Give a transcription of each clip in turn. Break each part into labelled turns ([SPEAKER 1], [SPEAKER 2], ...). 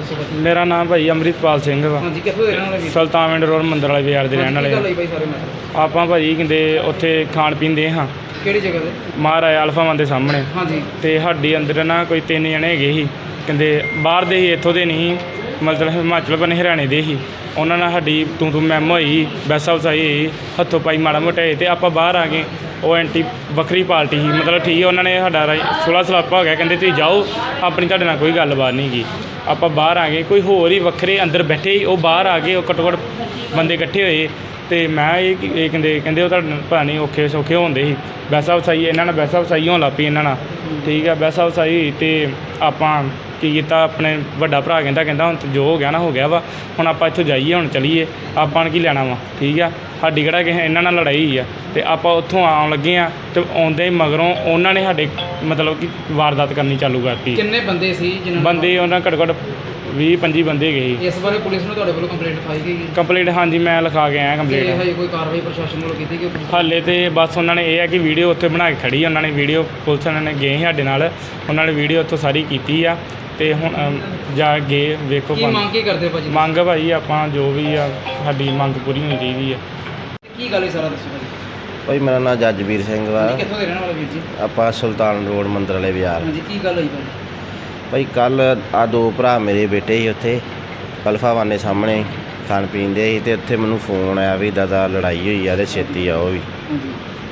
[SPEAKER 1] ਦੱਸੋ ਭਾਜੀ।
[SPEAKER 2] ਮੇਰਾ ਨਾਮ ਭਾਈ ਅੰਮ੍ਰਿਤਪਾਲ ਸਿੰਘ ਵਾ।
[SPEAKER 1] ਹਾਂਜੀ, ਕਿੱਥੋਂ ਦੇ ਰਹਿਣ ਵਾਲੇ ਵੀਰ?
[SPEAKER 2] ਸੁਲਤਾਨਵਿੰਡ ਰੋਡ ਮੰਦਰ ਵਾਲੇ ਬਾਜ਼ਾਰ ਦੇ ਰਹਿਣ
[SPEAKER 1] ਕੀ ਗੱਲ
[SPEAKER 2] ਵਾਲੇ
[SPEAKER 1] ਹੋਈ ਭਾਈ ਸਾਰੇ ਮੈਟਰ?
[SPEAKER 2] ਆਪਾਂ ਭਾਜੀ ਕਹਿੰਦੇ ਉੱਥੇ ਖਾਣ ਪੀਣ ਦੇ ਹਾਂ
[SPEAKER 1] ਕਿਹੜੀ ਜਗ੍ਹਾ ਤੇ?
[SPEAKER 2] ਮਹਾਰਾਜਾ ਅਲਫਾ ਵਨ ਦੇ ਸਾਹਮਣੇ।
[SPEAKER 1] ਹਾਂਜੀ।
[SPEAKER 2] ਤੇ ਸਾਡੀ ਅੰਦਰ ਨਾ ਕੋਈ 3 ਜਣੇ ਹੈਗੇ ਸੀ, ਕਹਿੰਦੇ ਬਾਹਰ ਦੇ ਹੀ, ਇੱਥੋਂ ਦੇ ਨਹੀਂ, ਮਤਲਬ ਹਿਮਾਚਲ ਬਨੇ ਹਰਿਆਣੇ ਦੇ ਹੀ। ਉਹਨਾਂ ਨਾਲ ਸਾਡੀ ਤੂੰ ਮੈਮ ਹੋਈ, ਵੈਸਾ ਵਸਾਈ ਹੋਈ, ਹੱਥੋਂ ਪਾਈ ਮਾੜਾ ਮੋਟਾ ਹੋਏ ਤੇ ਆਪਾਂ ਬਾਹਰ ਆ ਗਏ। ਉਹ ਐਂਟੀ ਵੱਖਰੀ ਪਾਰਟੀ ਸੀ, ਮਤਲਬ ਠੀਕ ਹੈ, ਉਹਨਾਂ ਨੇ ਸਾਡਾ ਸੁਲਾ ਸਲਾਪਾ ਹੋ ਗਿਆ, ਕਹਿੰਦੇ ਤੁਸੀਂ ਜਾਓ, ਆਪਣੀ ਤੁਹਾਡੇ ਨਾਲ ਕੋਈ ਗੱਲਬਾਤ ਨਹੀਂ ਗੀ। ਆਪਾਂ ਬਾਹਰ ਆ ਗਏ, ਕੋਈ ਹੋਰ ਹੀ ਵੱਖਰੇ ਅੰਦਰ ਬੈਠੇ ਸੀ, ਉਹ ਬਾਹਰ ਆ ਗਏ, ਉਹ ਘੱਟੋ ਘੱਟ ਬੰਦੇ ਇਕੱਠੇ ਹੋਏ। ਤੇ ਮੈਂ ਇਹ ਕਹਿੰਦੇ ਉਹ ਤੁਹਾਡੇ ਪਤਾ ਨਹੀਂ ਔਖੇ ਸੌਖੇ ਹੁੰਦੇ ਸੀ। ਵੈਸਾ ਵਸਾਈ ਇਹਨਾਂ ਨਾਲ ਵੈਸਾ ਵਸਾਈ ਹੋਣ ਲੱਗ ਪਈ ਇਹਨਾਂ ਨਾਲ, ਠੀਕ ਹੈ। ਵੈਸਾ ਵਸਾਈ ਹੋਈ ਤੇ ਆਪਾਂ ਕੀ ਕੀਤਾ, ਆਪਣੇ ਵੱਡਾ ਭਰਾ ਕਹਿੰਦਾ ਹੁਣ ਜੋ ਹੋ ਗਿਆ ਨਾ ਹੋ ਗਿਆ ਵਾ, ਹੁਣ ਆਪਾਂ ਇੱਥੋਂ ਜਾਈਏ, ਹੁਣ ਚਲੀਏ, ਆਪਾਂ ਨੇ ਕੀ ਲੈਣਾ ਵਾ, ਠੀਕ ਆ। ਸਾਡੀ ਕਿਹੜਾ ਕਿਸੇ ਇਹਨਾਂ ਨਾਲ ਲੜਾਈ ਹੋਈ ਆ। ਤੇ ਆਪਾਂ ਉੱਥੋਂ ਆਉਣ ਲੱਗੇ ਆ ਤੇ ਆਉਂਦੇ ਮਗਰੋਂ ਉਹਨਾਂ ਨੇ ਸਾਡੇ ਮਤਲਬ ਕਿ ਵਾਰਦਾਤ ਕਰਨੀ ਚਾਲੂ ਕਰਤੀ।
[SPEAKER 1] ਕਿੰਨੇ ਬੰਦੇ ਸੀ ਜਿਨ੍ਹਾਂ
[SPEAKER 2] ਬੰਦੇ ਉਹਨਾਂ ਘੱਟੋ ਘੱਟ 20-25 ਬੰਦੇ ਗਏ ਸੀ।
[SPEAKER 1] ਇਸ ਬਾਰੇ ਪੁਲਿਸ ਨੂੰ ਤੁਹਾਡੇ ਵੱਲੋਂ ਕੰਪਲੇਂਟ ਲਿਖਾਈ ਗਈ?
[SPEAKER 2] ਕੰਪਲੇਂਟ ਹਾਂਜੀ ਮੈਂ ਲਿਖਾ ਕੇ ਆਇਆ ਕੰਪਲੇਂਟ।
[SPEAKER 1] ਹਜੇ ਕੋਈ ਕਾਰਵਾਈ ਪ੍ਰਸ਼ਾਸਨ ਵੱਲੋਂ ਕੀਤੀ ਗਈ?
[SPEAKER 2] ਹਾਲੇ ਤੇ ਬਸ ਉਹਨਾਂ ਨੇ ਇਹ ਹੈ ਕਿ ਵੀਡੀਓ ਉੱਥੇ ਬਣਾ ਕੇ ਖੜੀ, ਉਹਨਾਂ ਨੇ ਵੀਡੀਓ ਪੁਲਿਸ ਵਾਲਿਆਂ ਨੇ ਗਏ ਸਾਡੇ ਨਾਲ, ਉਹਨਾਂ ਨੇ ਵੀਡੀਓ ਉੱਥੋਂ ਸਾਰੀ ਕੀਤੀ ਆ। ਤੇ ਹੁਣ ਜਾ ਗਏ ਵੇਖੋ
[SPEAKER 1] ਕੀ ਮੰਗ ਕੀ ਕਰਦੇ ਭਾਜੀ?
[SPEAKER 2] ਮੰਗ ਭਾਈ ਆਪਾਂ ਜੋ ਵੀ ਆ ਸਾਡੀ ਮੰਗ ਪੂਰੀ ਹੋਣੀ ਚਾਹੀਦੀ ਆ।
[SPEAKER 1] ਕੀ ਗੱਲ ਹੈ ਸਾਰਾ ਦੱਸੋ ਭਾਜੀ।
[SPEAKER 3] ਭਾਈ ਮੇਰਾ ਨਾਮ ਜੱਜਵੀਰ ਸਿੰਘ ਵਾ।
[SPEAKER 1] ਕਿੱਥੋਂ ਦੇ ਰਹਿਣ ਵਾਲੇ ਵੀਰ ਜੀ?
[SPEAKER 3] ਆਪਾਂ ਸੁਲਤਾਨ ਰੋਡ ਮੰਦਰ ਵਾਲੇ ਬਾਜ਼ਾਰ।
[SPEAKER 1] ਹਾਂਜੀ, ਕੀ ਗੱਲ ਹੋਈ ਭਾਜੀ?
[SPEAKER 3] ਭਾਈ ਕੱਲ ਆ 2 ਭਰਾ ਮੇਰੇ ਬੇਟੇ ਸੀ ਉੱਥੇ ਅਲਫਾ ਵਨ ਦੇ ਸਾਹਮਣੇ ਖਾਣ ਪੀਣ ਦੇ ਸੀ, ਤੇ ਉੱਥੇ ਮੈਨੂੰ ਫੋਨ ਆਇਆ ਵੀ ਦਾਦਾ ਲੜਾਈ ਹੋਈ ਆ ਤੇ ਛੇਤੀ ਆਓ ਵੀ।
[SPEAKER 1] ਹਾਂਜੀ।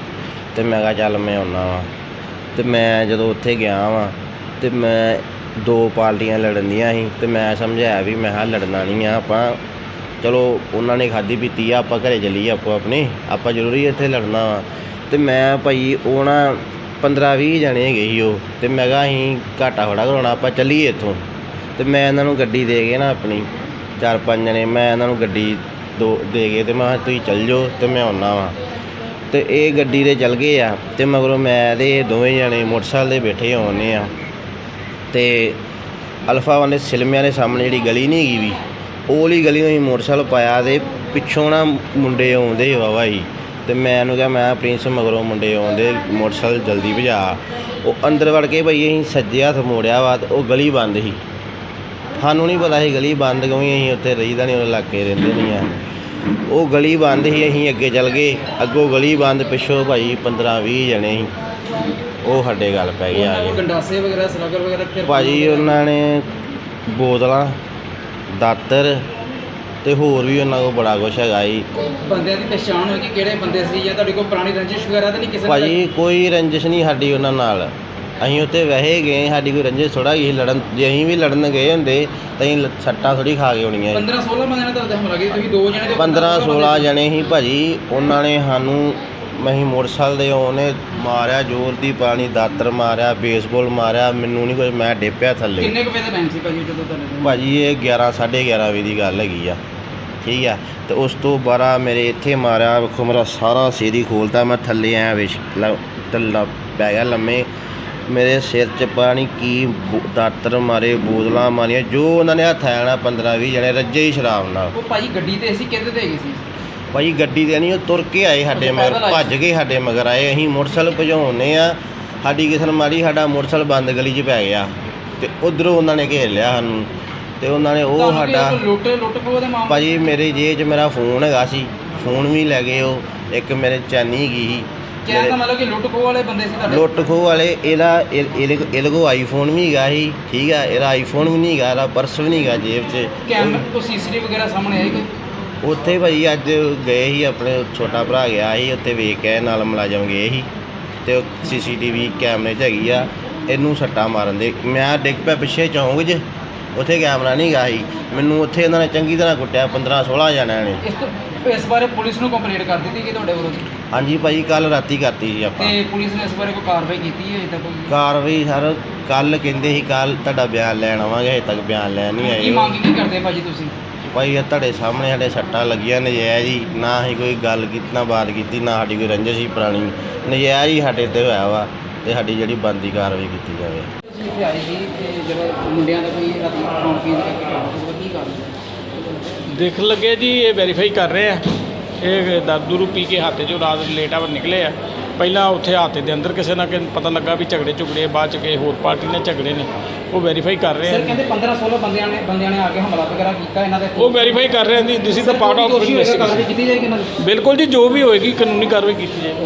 [SPEAKER 3] ਤੇ ਮੈਂ ਕਿਹਾ ਚੱਲ ਮੈਂ ਆਉਣਾ ਵਾ। ਤੇ ਮੈਂ ਜਦੋਂ ਉੱਥੇ ਗਿਆ ਵਾਂ ਤੇ ਮੈਂ 2 ਪਾਰਟੀਆਂ ਲੜਨ ਦੀਆਂ ਸੀ, ਤੇ ਮੈਂ ਸਮਝਾਇਆ ਵੀ ਮੈਂ ਕਿਹਾ ਲੜਨਾ ਨਹੀਂ ਆ ਆਪਾਂ, ਚਲੋ ਉਹਨਾਂ ਨੇ ਖਾਧੀ ਪੀਤੀ ਆ, ਆਪਾਂ ਘਰੇ ਚੱਲੀਏ ਆਪੋ ਆਪਣੇ, ਆਪਾਂ ਜ਼ਰੂਰੀ ਇੱਥੇ ਲੜਨਾ ਵਾ। ਤੇ ਮੈਂ ਭਾਈ ਉਹ ਨਾ 15-20 ਜਣੇ ਹੈਗੇ ਸੀ ਉਹ, ਤੇ ਮੈਂ ਕਿਹਾ ਅਸੀਂ ਘਾਟਾ ਥੋੜ੍ਹਾ ਕਰਾਉਣਾ, ਆਪਾਂ ਚੱਲੀਏ ਇੱਥੋਂ। ਤੇ ਮੈਂ ਇਹਨਾਂ ਨੂੰ ਗੱਡੀ ਦੇ ਕੇ ਨਾ ਆਪਣੀ 4-5 ਜਣੇ ਮੈਂ ਇਹਨਾਂ ਨੂੰ ਗੱਡੀ ਦੇ ਕੇ ਤੇ ਮੈਂ ਕਿਹਾ ਤੁਸੀਂ ਚੱਲ ਜਾਓ ਤੇ ਮੈਂ ਆਉਣਾ ਵਾ। ਤੇ ਇਹ ਗੱਡੀ 'ਤੇ ਚੱਲ ਗਏ ਆ, ਤੇ ਮਗਰੋਂ ਮੈਂ ਤੇ ਇਹ ਦੋਵੇਂ ਜਣੇ ਮੋਟਰਸਾਈਕਲ 'ਤੇ ਬੈਠੇ ਆਉਂਦੇ ਆ। ਤੇ ਅਲਫਾ ਵਨ ਦੇ ਸਿਲਮਿਆਂ ਦੇ ਸਾਹਮਣੇ ਜਿਹੜੀ ਗਲੀ ਨਹੀਂ ਹੈਗੀ ਵੀ, ਉਹ ਵਾਲੀ ਗਲੀ ਨੂੰ ਅਸੀਂ ਮੋਟਰਸਾਈਕਲ ਪਾਇਆ, ਤੇ ਪਿੱਛੋਂ ਨਾ ਮੁੰਡੇ ਆਉਂਦੇ ਵਾਹਵਾ ਸੀ। ਤੇ ਮੈਂ ਇਹਨੂੰ ਕਿਹਾ ਮੈਂ ਪ੍ਰਿੰਸ ਮਗਰੋਂ ਮੁੰਡੇ ਆਉਂਦੇ, ਮੋਟਰਸਾਈਕਲ ਜਲਦੀ ਭਜਾ। ਉਹ ਅੰਦਰ ਵੜ ਕੇ ਭਾਈ ਅਸੀਂ ਸੱਜੇ ਹੱਥ ਮੋੜਿਆ ਵਾ, ਤੇ ਉਹ ਗਲੀ ਬੰਦ ਸੀ। ਸਾਨੂੰ ਨਹੀਂ ਪਤਾ ਸੀ ਗਲੀ ਬੰਦ ਕਿਉਂ, ਅਸੀਂ ਉੱਥੇ ਰਹੀਦਾ ਨਹੀਂ, ਉਹ ਇਲਾਕੇ ਰਹਿੰਦੇ ਨਹੀਂ ਆ। ਉਹ ਗਲੀ ਬੰਦ ਸੀ, ਅਸੀਂ ਅੱਗੇ ਚੱਲ ਗਏ, ਅੱਗੋਂ ਗਲੀ ਬੰਦ, ਪਿੱਛੋਂ ਭਾਈ 15-20 ਜਣੇ ਸੀ, ਉਹ ਸਾਡੇ ਗੱਲ ਪੈ ਗਏ ਆ ਕੇ।
[SPEAKER 1] ਗੰਡਾਸੇ ਵਗੈਰਾ ਸਲਾਗਰ ਵਗੈਰਾ
[SPEAKER 3] ਭਾਜੀ ਉਹਨਾਂ ਨੇ ਬੋਤਲਾਂ, ਦਾਤਰ ਤੇ ਹੋਰ ਵੀ ਉਹਨਾਂ ਕੋਲ ਬੜਾ ਕੁਛ ਹੈਗਾ ਜੀ।
[SPEAKER 1] ਬੰਦਿਆਂ ਦੀ ਪਛਾਣ ਹੋਈ ਕਿ ਕਿਹੜੇ ਬੰਦੇ ਸੀ, ਜਾਂ ਤੁਹਾਡੇ ਕੋਲ ਪੁਰਾਣੀ ਰੰਜਿਸ਼ ਵਗੈਰਾ ਤਾਂ ਨਹੀਂ ਕਿਸੇ ਨਾਲ?
[SPEAKER 3] ਭਾਜੀ ਕੋਈ ਰੰਜਿਸ਼ ਨਹੀਂ ਸਾਡੀ ਉਹਨਾਂ ਨਾਲ, ਅਸੀਂ ਉੱਥੇ ਵੈਸੇ ਗਏ, ਸਾਡੀ ਕੋਈ ਰੰਜਿਸ਼ ਥੋੜ੍ਹਾ ਗਈ ਲੜਨ। ਜੇ ਅਸੀਂ ਵੀ ਲੜਨ ਗਏ ਹੁੰਦੇ ਤਾਂ ਅਸੀਂ ਸੱਟਾਂ ਥੋੜ੍ਹੀ ਖਾ ਕੇ ਆਉਣੀਆਂ।
[SPEAKER 1] 15-16 ਬੰਦਿਆਂ ਨੇ ਤੁਹਾਡੇ ਹਮਲਾ ਕੀਤਾ, ਤੁਸੀਂ 2 ਜਣੇ?
[SPEAKER 3] 15-16 ਜਣੇ ਸੀ ਭਾਜੀ। ਉਹਨਾਂ ਨੇ ਸਾਨੂੰ ਅਸੀਂ ਮੋਟਰਸਾਈਕਲ ਦੇ ਉਹਨੇ ਮਾਰਿਆ, ਜ਼ੋਰ ਦੀ ਪਾਣੀ, ਦਾਤਰ ਮਾਰਿਆ, ਬੇਸਬਾਲ ਮਾਰਿਆ, ਮੈਨੂੰ ਨਹੀਂ ਕੁਝ, ਮੈਂ ਡਿੱਪਿਆ ਥੱਲੇ।
[SPEAKER 1] ਕਿੰਨੇ ਕੁ ਵਜੇ ਦਾ ਟਾਈਮ ਸੀ ਭਾਜੀ ਜਦੋਂ ਤੁਹਾਡੇ?
[SPEAKER 3] ਭਾਜੀ ਇਹ 11-11:30 ਵਜੇ ਦੀ ਗੱਲ ਹੈਗੀ ਆ, ਠੀਕ ਆ। ਤੇ ਉਸ ਤੋਂ ਬਾਅਦ ਮੇਰੇ ਇੱਥੇ ਮਾਰਿਆ, ਵੇਖੋ ਮੇਰਾ ਸਾਰਾ ਸਿਰ ਹੀ ਖੋਲ੍ਹਤਾ, ਮੈਂ ਥੱਲੇ ਆਇਆ ਥੱਲਾ ਪੈ ਗਿਆ ਲੰਮੇ। ਮੇਰੇ ਸਿਰ 'ਚ ਪਾਣੀ ਕੀ ਦਾਤਰ ਮਾਰੇ, ਬੋਤਲਾਂ ਮਾਰੀਆਂ, ਜੋ ਉਹਨਾਂ ਨੇ ਹੱਥ ਆਇਆ ਨਾ 15-20 ਜਣੇ ਰੱਜੇ ਹੀ ਸ਼ਰਾਬ ਨਾਲ।
[SPEAKER 1] ਉਹ ਭਾਜੀ ਗੱਡੀ ਤੇ ਸੀ, ਕਿਹਦੇ ਤੇ ਹੈਗੇ ਸੀ?
[SPEAKER 3] ਭਾਈ ਗੱਡੀ 'ਤੇ ਨਹੀਂ, ਉਹ ਤੁਰ ਕੇ ਆਏ ਸਾਡੇ ਮਗਰ, ਭੱਜ ਕੇ ਸਾਡੇ ਮਗਰ ਆਏ। ਅਸੀਂ ਮੋਟਰਸਾਈਕਲ ਭਜਾਉਂਦੇ ਆ, ਸਾਡੀ ਕਿਸਨ ਮਾਰੀ, ਸਾਡਾ ਮੋਟਰਸਾਈਕਲ ਬੰਦ ਗਲੀ 'ਚ ਪੈ ਗਿਆ, ਤੇ ਉੱਧਰੋਂ ਉਹਨਾਂ ਨੇ ਘੇਰ ਲਿਆ ਸਾਨੂੰ। ਤੇ ਉਹਨਾਂ ਨੇ ਉਹ ਸਾਡਾ
[SPEAKER 1] ਲੁੱਟ ਖੋਹ ਦੇ ਮਾਮਲੇ?
[SPEAKER 3] ਭਾਜੀ ਮੇਰੇ ਜੇਬ 'ਚ ਮੇਰਾ ਫੋਨ ਹੈਗਾ ਸੀ, ਫੋਨ ਵੀ ਲੈ ਗਏ ਉਹ। ਇੱਕ ਮੇਰੇ ਚੈਨੀ ਹੈਗੀ ਸੀ।
[SPEAKER 1] ਕਹਿਣ ਦਾ ਮਤਲਬ ਕਿ ਲੁੱਟ ਖੋਹ ਵਾਲੇ ਬੰਦੇ ਸੀ ਤੁਹਾਡੇ?
[SPEAKER 3] ਲੁੱਟ ਖੋਹ ਵਾਲੇ। ਇਹਦੇ ਕੋਲ ਆਈਫੋਨ ਵੀ ਹੈਗਾ ਸੀ, ਠੀਕ ਆ, ਇਹਦਾ ਆਈਫੋਨ ਵੀ ਨਹੀਂ ਹੈਗਾ, ਇਹਦਾ ਪਰਸ ਵੀ ਨਹੀਂ ਹੈਗਾ ਜੇਬ 'ਚ।
[SPEAKER 1] ਕੈਮਰੇ ਤੋਂ CCTV ਵਗੈਰਾ ਸਾਹਮਣੇ ਆਈ ਕੋਈ?
[SPEAKER 3] ਉੱਥੇ ਭਾਈ ਅੱਜ ਗਏ ਸੀ, ਆਪਣੇ ਛੋਟਾ ਭਰਾ ਗਿਆ ਸੀ ਉੱਥੇ, ਵੇਖ ਕੇ ਨਾਲ ਮੁਲਾਜ਼ਮ ਗਏ ਸੀ, ਤੇ ਉਹ CCTV ਕੈਮਰੇ 'ਚ ਹੈਗੀ ਆ। ਇਹਨੂੰ ਸੱਟਾਂ ਮਾਰਨ ਦੇ ਮੈਂ ਡਿੱਗ ਪਿਆ ਪਿੱਛੇ ਚੌਂਕ 'ਚ, ਉੱਥੇ ਕੈਮਰਾ ਨਹੀਂ ਗਾ ਸੀ। ਮੈਨੂੰ ਉੱਥੇ ਇਹਨਾਂ ਨੇ ਚੰਗੀ ਤਰ੍ਹਾਂ ਕੁੱਟਿਆ, 15-16 ਜਣਿਆਂ ਨੇ।
[SPEAKER 1] ਇਸ ਬਾਰੇ ਪੁਲਿਸ ਨੂੰ ਕੰਪਲੇਂਟ ਕਰ ਦਿੱਤੀ ਕਿ ਤੁਹਾਡੇ ਵੱਲੋਂ?
[SPEAKER 3] ਹਾਂਜੀ ਭਾਈ ਕੱਲ ਰਾਤੀ ਕਰਤੀ ਸੀ ਆਪਾਂ।
[SPEAKER 1] ਤੇ ਪੁਲਿਸ ਨੇ ਇਸ ਬਾਰੇ ਕੋਈ ਕਾਰਵਾਈ ਕੀਤੀ ਹੈ ਅਜੇ ਤੱਕ?
[SPEAKER 3] ਕਾਰਵਾਈ ਸਰ ਕੱਲ ਕਹਿੰਦੇ ਸੀ ਕੱਲ ਤੁਹਾਡਾ ਬਿਆਨ ਲੈਣ ਆਵਾਂਗੇ, ਹਜੇ ਤੱਕ ਬਿਆਨ ਲੈਣ ਨਹੀਂ ਆਏ।
[SPEAKER 1] ਕੀ ਮੰਗ ਕੀ ਕਰਦੇ ਭਾਜੀ ਤੁਸੀਂ?
[SPEAKER 3] ਭਾਈ ਇਹ ਤੁਹਾਡੇ ਸਾਹਮਣੇ ਸਾਡੇ ਸੱਟਾਂ ਲੱਗੀਆਂ ਨਜਾਇਜ਼ ਹੀ, ਨਾ ਅਸੀਂ ਕੋਈ ਗੱਲ ਕੀਤੀ, ਨਾ ਬਾਤ ਕੀਤੀ, ਨਾ ਸਾਡੀ ਕੋਈ ਰੰਜਿਸ਼ ਸੀ ਪੁਰਾਣੀ, ਨਜਾਇਜ਼ ਹੀ ਸਾਡੇ 'ਤੇ ਹੋਇਆ ਵਾ, ਤੇ ਸਾਡੀ ਜਿਹੜੀ ਬਣਦੀ ਕਾਰਵਾਈ ਕੀਤੀ ਜਾਵੇ।
[SPEAKER 1] ਤੁਸੀਂ ਇੱਥੇ ਆਏ ਸੀ ਤੇ ਜਦੋਂ ਮੁੰਡਿਆਂ ਦਾ ਕੋਈ ਰਾਤੀ ਖਾਣ ਪੀਣ ਦਾ ਕੀ ਕਾਰਨ
[SPEAKER 2] ਦੇਖ ਲੱਗੇ ਜੀ, ਇਹ ਵੈਰੀਫਾਈ ਕਰ ਰਹੇ ਆ। ਇਹ ਦਾਰੂ ਪੀ ਕੇ ਹੱਥ 'ਚੋਂ ਰਾਤ ਲੇਟ ਆਵਰ ਨਿਕਲੇ ਆ,
[SPEAKER 4] ਪਹਿਲਾਂ ਉੱਥੇ ਹਾਤੇ ਦੇ ਅੰਦਰ ਕਿਸੇ ਨਾ ਕਿਸੇ ਪਤਾ ਲੱਗਾ ਵੀ ਝਗੜੇ ਬਾਅਦ 'ਚ ਕਿਸੇ ਹੋਰ ਪਾਰਟੀ ਨੇ ਝਗੜੇ ਨੇ, ਉਹ ਵੈਰੀਫਾਈ ਕਰ ਰਹੇ
[SPEAKER 1] ਸਰ
[SPEAKER 4] ਆ।
[SPEAKER 1] ਕਹਿੰਦੇ 15-16 ਬੰਦਿਆਂ ਨੇ ਆ ਕੇ ਹਮਲਾ ਵਗੈਰਾ ਕੀਤਾ ਇਹਨਾਂ ਦੇ।
[SPEAKER 4] ਉਹ ਵੈਰੀਫਾਈ ਕਰ ਰਹੇ ਆ ਜੀ, this is the part of
[SPEAKER 1] ਦੋਸ਼ੀ ਹੋਏਗਾ,
[SPEAKER 4] ਇਨਵੈਸਟੀਗੇਸ਼ਨ।
[SPEAKER 1] ਕਾਰਵਾਈ ਕੀਤੀ ਜਾਏਗੀ ਇਹਨਾਂ ਦੀ।
[SPEAKER 4] ਬਿਲਕੁਲ ਜੀ, ਜੋ ਵੀ ਹੋਏਗੀ ਕਾਨੂੰਨੀ ਕਾਰਵਾਈ ਕੀਤੀ ਜਾਏਗੀ।